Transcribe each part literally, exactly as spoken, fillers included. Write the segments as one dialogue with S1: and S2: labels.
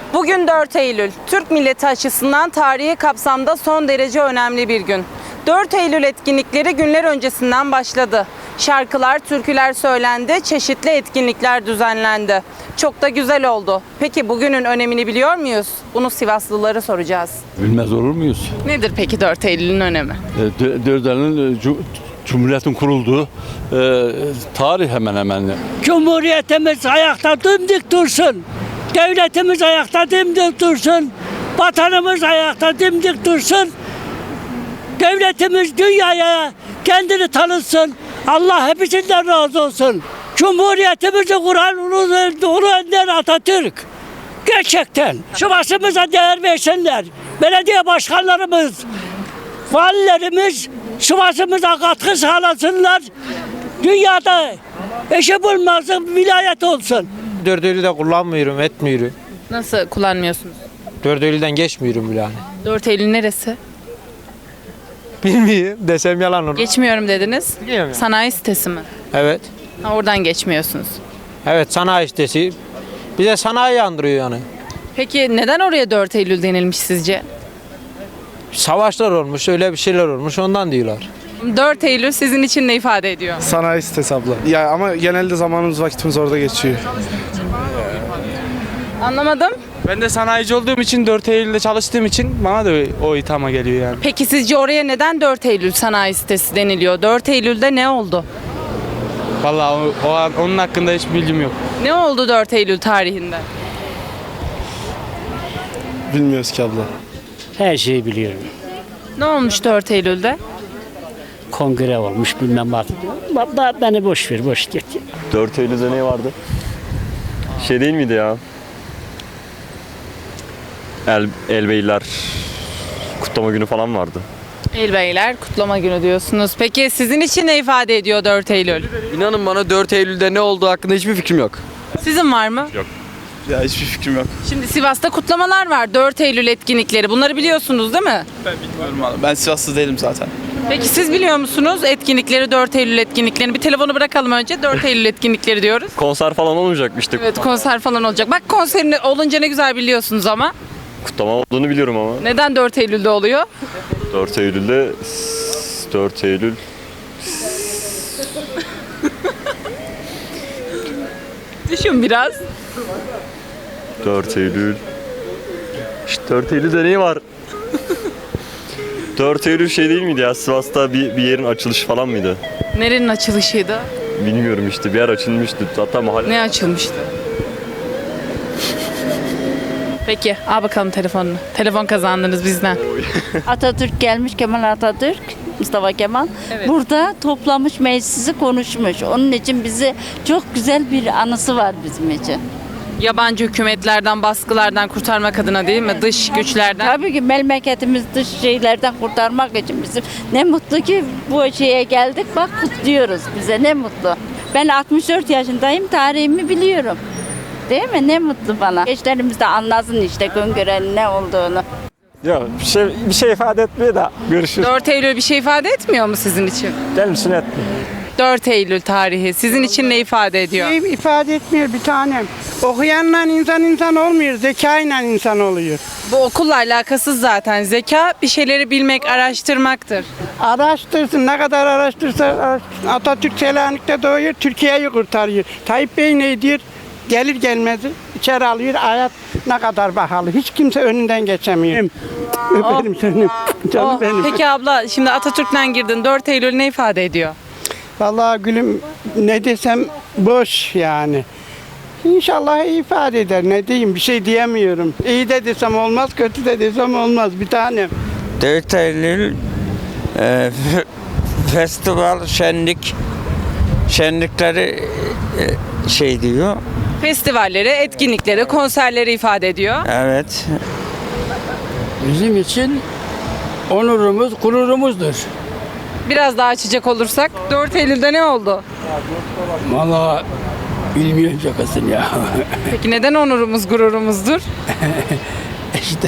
S1: Bugün dört Eylül. Türk milleti açısından tarihi kapsamda son derece önemli bir gün. dört Eylül etkinlikleri günler öncesinden başladı. Şarkılar, türküler söylendi, çeşitli etkinlikler düzenlendi. Çok da güzel oldu. Peki bugünün önemini biliyor muyuz? Bunu Sivaslılara soracağız.
S2: Bilmez olur muyuz?
S1: Nedir peki dört Eylül'ün önemi?
S2: dört Eylül'ün Cumhuriyet'in kurulduğu e, tarih hemen hemen.
S3: Cumhuriyetimiz ayakta dimdik dursun. Devletimiz ayakta dimdik dursun. Vatanımız ayakta dimdik dursun. Devletimiz dünyaya kendini tanıtsın. Allah hepsinden razı olsun. Cumhuriyetimizi kuran Ulu Önder Atatürk. Gerçekten şu başımıza değer versinler. Belediye başkanlarımız, valilerimiz şu başımıza katkı sağlasınlar. Dünyada eşi bulmaz vilayet olsun.
S4: dört Eylül'ü de kullanmıyorum, etmiyorum.
S1: Nasıl kullanmıyorsunuz?
S4: dört Eylül'den geçmiyorum bile hani.
S1: dört Eylül neresi?
S4: Bilmiyorum desem yalan olur.
S1: Geçmiyorum dediniz.
S4: Bilmiyorum.
S1: Sanayi sitesi mi?
S4: Evet.
S1: Ha, oradan geçmiyorsunuz.
S4: Evet, sanayi sitesi. Bize sanayi andırıyor yani.
S1: Peki neden oraya dört Eylül denilmiş sizce?
S4: Savaşlar olmuş, öyle bir şeyler olmuş, ondan diyorlar.
S1: dört Eylül sizin için ne ifade ediyor?
S5: Sanayi sitesi abla. Ya ama genelde zamanımız vakitimiz orada geçiyor.
S1: Anlamadım.
S6: Ben de sanayici olduğum için dört Eylül'de çalıştığım için bana da o ithama geliyor yani.
S1: Peki sizce oraya neden dört Eylül sanayi sitesi deniliyor? dört Eylül'de ne oldu?
S6: Vallahi o, o an- onun hakkında hiç bilgim yok.
S1: Ne oldu dört Eylül tarihinde?
S5: Bilmiyoruz ki abla.
S3: Her şeyi biliyorum.
S1: Ne olmuş dört Eylül'de?
S3: Kongre olmuş bilmem artık. Ba- Beni boş ver, boş git.
S7: dört Eylül'de ne vardı? Şey değil miydi ya? El, Elbeyler kutlama günü falan vardı.
S1: Elbeyler kutlama günü diyorsunuz. Peki sizin için ne ifade ediyor dört Eylül?
S8: İnanın bana dört Eylül'de ne olduğu hakkında hiçbir fikrim yok.
S1: Sizin var mı?
S5: Ya hiçbir fikrim yok.
S1: Şimdi Sivas'ta kutlamalar var. dört Eylül etkinlikleri. Bunları biliyorsunuz değil mi?
S5: Ben bilmiyorum abla. Ben Sivaslı değilim zaten.
S1: Peki siz biliyor musunuz etkinlikleri, dört Eylül etkinliklerini? Bir telefonu bırakalım önce. dört Eylül etkinlikleri diyoruz.
S7: Konser falan olmayacakmıştı.
S1: Evet, konser falan olacak. Bak konserin olunca ne güzel biliyorsunuz ama.
S7: Kutlama olduğunu biliyorum ama.
S1: Neden dört Eylül'de oluyor?
S7: dört Eylül'de dört Eylül
S1: Düşün biraz.
S7: dört Eylül İşte dört Eylül'de ne var? dört Eylül şey değil miydi ya? Sivas'ta bir, bir yerin açılışı falan mıydı?
S1: Nerenin açılışıydı?
S7: Bilmiyorum işte bir yer açılmıştı. Hatta mahalle.
S1: Ne açılmıştı? Peki, al bakalım telefonunu. Telefon kazandınız bizden.
S9: Atatürk gelmiş, Kemal Atatürk, Mustafa Kemal.
S1: Evet.
S9: Burada toplamış meclisi konuşmuş. Onun için bizi çok güzel bir anısı var bizim için.
S1: Yabancı hükümetlerden, baskılardan kurtarmak adına değil mi? Dış güçlerden.
S9: Tabii ki memleketimiz dış şeylerden kurtarmak için bizim ne mutlu ki bu şeye geldik. Bak kutluyoruz bize ne mutlu. Ben altmış dört yaşındayım, tarihimi biliyorum. Değil mi? Ne mutlu bana. Gençlerimiz de anlasın işte Güngören'in ne olduğunu.
S3: Yok bir şey, bir şey ifade etmiyor da görüşürüz.
S1: dört Eylül bir şey ifade etmiyor mu sizin için?
S3: Benim için etmiyor.
S1: dört Eylül tarihi sizin için ne ifade ediyor?
S10: Şey ifade etmiyor bir tanem. Okuyanla insan insan olmuyor, zekayla insan oluyor.
S1: Bu okulla alakasız zaten. Zeka bir şeyleri bilmek, araştırmaktır.
S10: Araştırsın, ne kadar araştırsa araştırsın. Atatürk Selanik'te doğuyor, Türkiye'yi kurtarıyor. Tayyip Bey ne diyor? Gelir gelmez içeri alıyor, hayat ne kadar pahalı. Hiç kimse önünden geçemiyor. Öperim seni, canım
S1: Oh,
S10: benim.
S1: Peki abla şimdi Atatürk'ten girdin. dört Eylül ne ifade ediyor?
S10: Vallahi gülüm ne desem boş yani. İnşallah iyi ifade eder. Ne diyeyim bir şey diyemiyorum. İyi de desem olmaz, kötü de desem olmaz bir tanem.
S8: dört Eylül e, festival, şenlik, şenlikleri e, şey diyor.
S1: Festivalleri, etkinlikleri, konserleri ifade ediyor.
S8: Evet.
S3: Bizim için onurumuz, gururumuzdur.
S1: Biraz daha açacak olursak dört Eylül'de ne oldu?
S3: Vallahi bilmiyorum şakasını ya.
S1: Peki neden onurumuz, gururumuzdur?
S3: İşte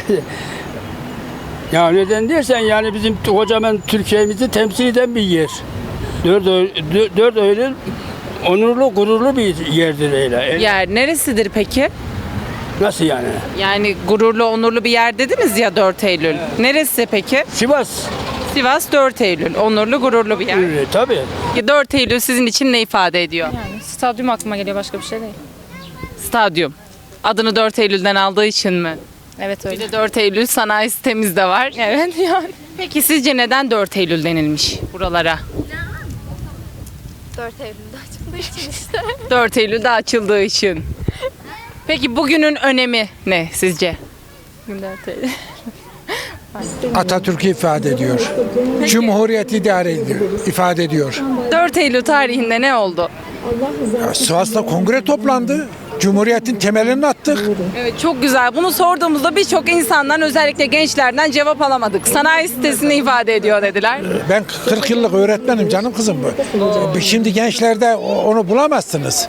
S3: ya neden dersen yani bizim kocaman Türkiye'mizi temsil eden bir yer. dört Eylül onurlu, gururlu bir yerdir öyle.
S1: Yer neresidir peki?
S3: Nasıl yani?
S1: Yani gururlu, onurlu bir yer dediniz ya dört Eylül. Neresi peki?
S3: Sivas.
S1: Sivas dört Eylül. Onurlu, gururlu bir yer.
S3: E, tabii.
S1: dört Eylül sizin için ne ifade ediyor?
S11: Stadyum aklıma geliyor, başka bir şey değil.
S1: Stadyum. Adını dört Eylül'den aldığı için mi?
S11: Evet
S1: Bir
S11: öyle.
S1: de dört Eylül sanayi sitemiz de var.
S11: Evet yani.
S1: Peki sizce neden dört Eylül denilmiş buralara?
S11: dört Eylül'de açıldığı için işte.
S1: dört Eylül'de açıldığı için. Peki bugünün önemi ne sizce?
S11: dört Eylül.
S12: Atatürk'ü ifade ediyor. Cumhuriyeti idare ediyor, ifade ediyor.
S1: dört Eylül tarihinde ne oldu?
S12: Ya, Sivas'ta kongre toplandı. Cumhuriyetin temelini attık.
S1: Evet, çok güzel. Bunu sorduğumuzda birçok insandan, özellikle gençlerden cevap alamadık. Sanayi sitesini ifade ediyor dediler.
S12: Ben kırk yıllık öğretmenim canım kızım bu. Şimdi gençlerde onu bulamazsınız.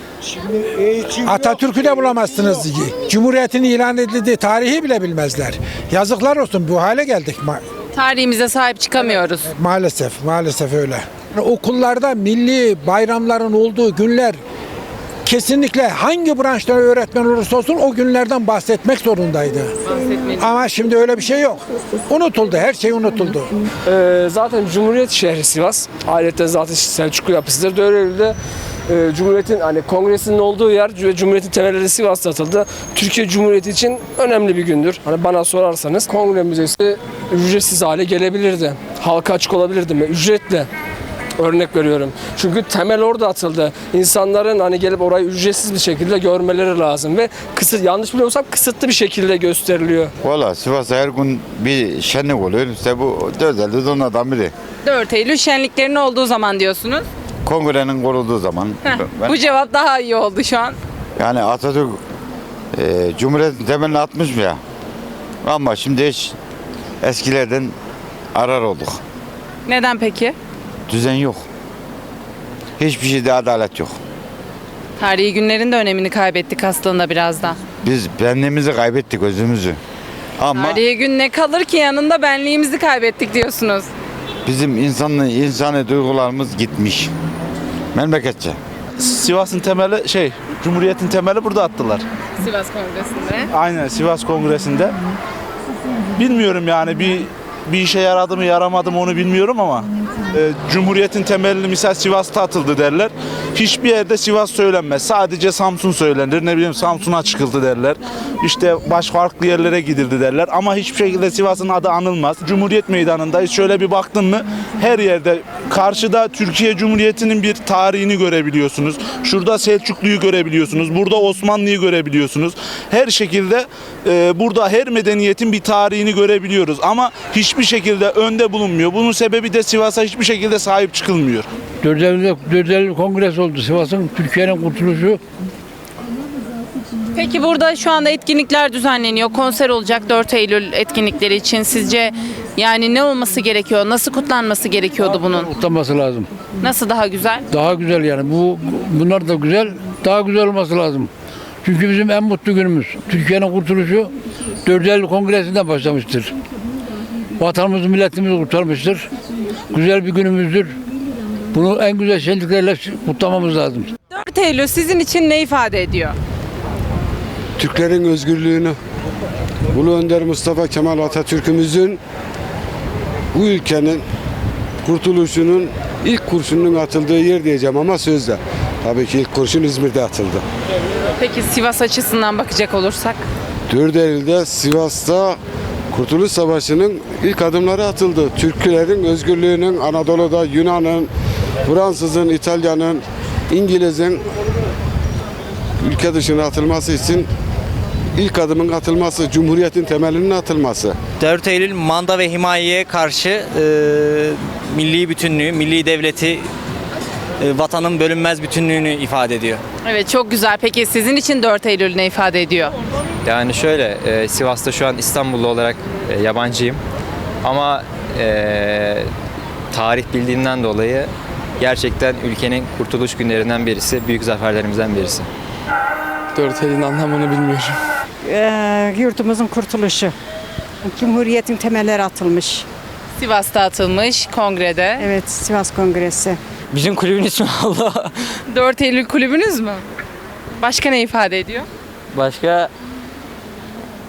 S12: Atatürk'ü de bulamazsınız. Cumhuriyetin ilan edildiği tarihi bile bilmezler. Yazıklar olsun, bu hale geldik ma-
S1: Tarihimize sahip çıkamıyoruz.
S12: maalesef. Maalesef öyle. Okullarda milli bayramların olduğu günler kesinlikle hangi branşta öğretmen olursa olsun o günlerden bahsetmek zorundaydı. Ama şimdi öyle bir şey yok. Unutuldu, her şey unutuldu.
S13: Ee, zaten Cumhuriyet şehri Sivas. Ayrıca zaten Selçuklu yapısıdır. dört Eylül'de e, Cumhuriyet'in hani kongresinin olduğu yer ve Cumhuriyet'in temelleri Sivas'ta atıldı. Türkiye Cumhuriyeti için önemli bir gündür. Hani bana sorarsanız Kongre Müzesi ücretsiz hale gelebilirdi. Halka açık olabilirdi mi? Ücretli. Örnek veriyorum. Çünkü temel orada atıldı. İnsanların hani gelip orayı ücretsiz bir şekilde görmeleri lazım ve kısıt, yanlış biliyorsam kısıtlı bir şekilde gösteriliyor.
S14: Valla Sivas'ta her gün bir şenlik oluyor. İşte bu dört Eylül onlardan biri.
S1: dört Eylül şenliklerin olduğu zaman diyorsunuz.
S14: Kongrenin kurulduğu zaman.
S1: Heh,
S14: Ben-
S1: bu cevap daha iyi oldu şu an.
S14: Yani Atatürk e, Cumhuriyet'in temelini atmış mı ya? Ama şimdi hiç eskilerden arar olduk.
S1: Neden peki?
S14: Düzen yok. Hiçbir şeyde adalet yok.
S1: Tarihi günlerin de önemini kaybettik aslında biraz da.
S14: Biz benliğimizi kaybettik, özümüzü. Ama
S1: Tarihi gün ne kalır ki yanında, benliğimizi kaybettik diyorsunuz.
S14: bizim insanlı, insani duygularımız gitmiş. Memleketçe.
S5: Sivas'ın temeli şey, Cumhuriyet'in temeli burada attılar.
S1: Sivas Kongresi'nde.
S5: Aynen, Sivas Kongresi'nde. Bilmiyorum yani bir bir işe yaradı mı yaramadı mı onu bilmiyorum ama e, Cumhuriyet'in temelini misal Sivas'ta atıldı derler. Hiçbir yerde Sivas söylenmez. Sadece Samsun söylenir. Ne bileyim Samsun'a çıkıldı derler. İşte baş farklı yerlere gidildi derler. Ama hiçbir şekilde Sivas'ın adı anılmaz. Cumhuriyet Meydanı'ndayız. Şöyle bir baktın mı her yerde karşıda Türkiye Cumhuriyeti'nin bir tarihini görebiliyorsunuz. Şurada Selçuklu'yu görebiliyorsunuz. Burada Osmanlı'yı görebiliyorsunuz. Her şekilde e, burada her medeniyetin bir tarihini görebiliyoruz. Ama hiçbir şekilde önde bulunmuyor. Bunun sebebi de Sivas'a hiçbir şekilde sahip çıkılmıyor.
S3: dört Eylül kongresi oldu Sivas'ın, Türkiye'nin kurtuluşu.
S1: Peki burada şu anda etkinlikler düzenleniyor. Konser olacak dört Eylül etkinlikleri için. Sizce yani ne olması gerekiyor? Nasıl kutlanması gerekiyordu bunun?
S3: Kutlanması lazım.
S1: Nasıl daha güzel?
S3: Daha güzel yani. Bu bunlar da güzel. Daha güzel olması lazım. Çünkü bizim en mutlu günümüz. Türkiye'nin kurtuluşu dört Eylül kongresinden başlamıştır. Vatanımızı, milletimizi kurtarmıştır. Güzel bir günümüzdür. Bunu en güzel şenliklerle kutlamamız lazım.
S1: dört Eylül sizin için ne ifade ediyor?
S12: Türklerin özgürlüğünü, Ulu Önder Mustafa Kemal Atatürk'ümüzün bu ülkenin kurtuluşunun ilk kurşunun atıldığı yer diyeceğim ama sözde. Tabii ki ilk kurşun İzmir'de atıldı.
S1: Peki Sivas açısından bakacak olursak?
S12: dört Eylül'de Sivas'ta Kurtuluş Savaşı'nın ilk adımları atıldı. Türklerin özgürlüğünün Anadolu'da Yunan'ın, Fransız'ın, İtalya'nın, İngiliz'in ülke dışına atılması için ilk adımın atılması, Cumhuriyet'in temelinin atılması.
S4: dört Eylül manda ve himayeye karşı e, milli bütünlüğü, milli devleti, e, vatanın bölünmez bütünlüğünü ifade ediyor.
S1: Evet, çok güzel. Peki sizin için dört Eylül ne ifade ediyor?
S7: Yani şöyle, e, Sivas'ta şu an İstanbullu olarak e, yabancıyım. Ama e, tarih bildiğimden dolayı gerçekten ülkenin kurtuluş günlerinden birisi, büyük zaferlerimizden birisi.
S6: dört Eylül'ün anlamını bilmiyorum.
S10: Ee, yurtumuzun kurtuluşu. Cumhuriyetin temelleri atılmış.
S1: Sivas'ta atılmış kongrede.
S10: Evet, Sivas Kongresi.
S4: Bizim kulübün ismi Allah.
S1: dört Eylül kulübünüz mü? Başka ne ifade ediyor?
S4: Başka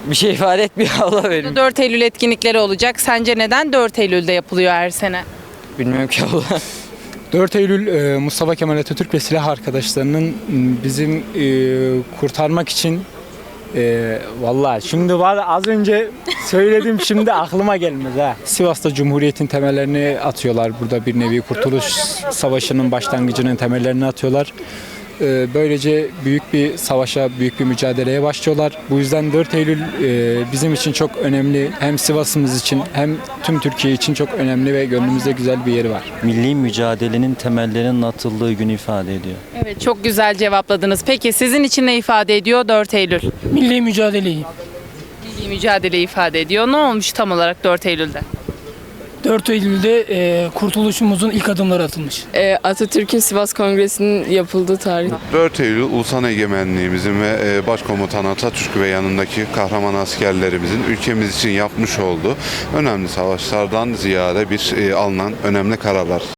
S7: bir şey ifade etmiyor Allah benim.
S1: dört Eylül etkinlikleri olacak. Sence neden dört Eylül'de yapılıyor her sene?
S7: Bilmiyorum ki Allah.
S6: dört Eylül e, Mustafa Kemal Atatürk ve silah arkadaşlarının m, bizim e, kurtarmak için e, vallahi şimdi var az önce söyledim şimdi aklıma gelmez ha. Sivas'ta Cumhuriyet'in temellerini atıyorlar. Burada bir nevi Kurtuluş Savaşı'nın başlangıcının temellerini atıyorlar. E, böylece büyük bir savaşa, büyük bir mücadeleye başlıyorlar. Bu yüzden dört Eylül e, bizim için çok önemli. Hem Sivas'ımız için hem tüm Türkiye için çok önemli ve gönlümüzde güzel bir yeri var.
S15: Milli mücadelenin temellerinin atıldığı günü ifade ediyor.
S1: Evet, çok güzel cevapladınız. Peki sizin için ne ifade ediyor dört Eylül?
S13: Milli mücadeleyi.
S1: Milli mücadele ifade ediyor. Ne olmuş tam olarak dört Eylül'de?
S13: dört Eylül'de e, kurtuluşumuzun ilk adımları atılmış.
S11: Atatürk'ün Sivas Kongresi'nin yapıldığı tarih.
S12: dört Eylül ulusal egemenliğimizin ve e, Başkomutan Atatürk ve yanındaki kahraman askerlerimizin ülkemiz için yapmış olduğu önemli savaşlardan ziyade bir e, alınan önemli kararlar.